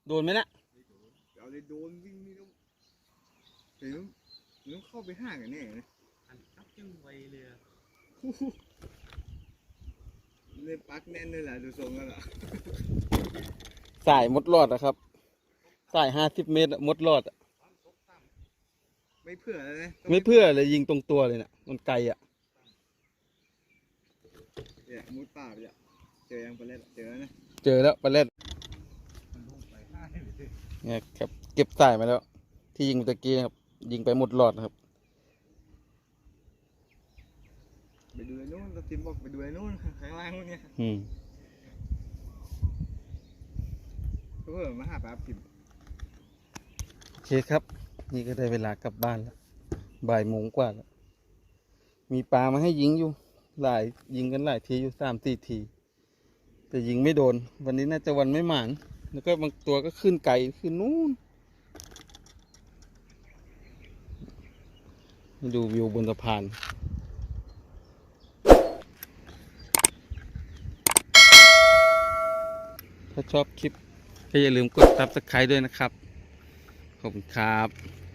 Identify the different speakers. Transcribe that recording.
Speaker 1: โดนไหมนะ
Speaker 2: เอาเลยโดนวิ่งนี่ต้องเดี๋ยวต้องเข้าไปห้างกันแน่นะ
Speaker 3: อันจับจึงไวเลย
Speaker 2: เลยปักแน่นเลยแหละดูทรงแล้วล่ะ
Speaker 1: สายมดรอดนะครับสาย50 เมตรมดรอด
Speaker 2: ไม่เพื่อเลยนะ
Speaker 1: ไม่เพื่อเลยยิงตรงตัวเลยนะมันไกลอ่ะ
Speaker 2: เนี่ยมุดป่าไปอ่ะเจอยังปลาเล็ดเจอนะ
Speaker 1: เจอแล้วปลาเล็ดเนี่ยครับเก็บสายมาแล้วที่ยิงเมื่อกี้นะครับยิงไปหมดหลอดนะครับ
Speaker 2: ไปดูไอ้นู้นเราทีมบอกไปดูไอ้นู้นข้างล่างนู้นเนี่ยเพื่อมาหาปลาปิ่ม
Speaker 1: โอเคครับนี่ก็ได้เวลากลับบ้านแล้วบ่ายโมงกว่าแล้วมีปลามาให้ยิงอยู่ยิงกันหลายทีอยู่3-4 ทีแต่ยิงไม่โดนวันนี้น่าจะวันไม่หมานแล้วก็บางตัวก็ขึ้นไกลขึ้นนู้นดูวิวบนสะพานถ้าชอบคลิปก็อย่าลืมกด Subscribe ด้วยนะครับขอบคุณครับ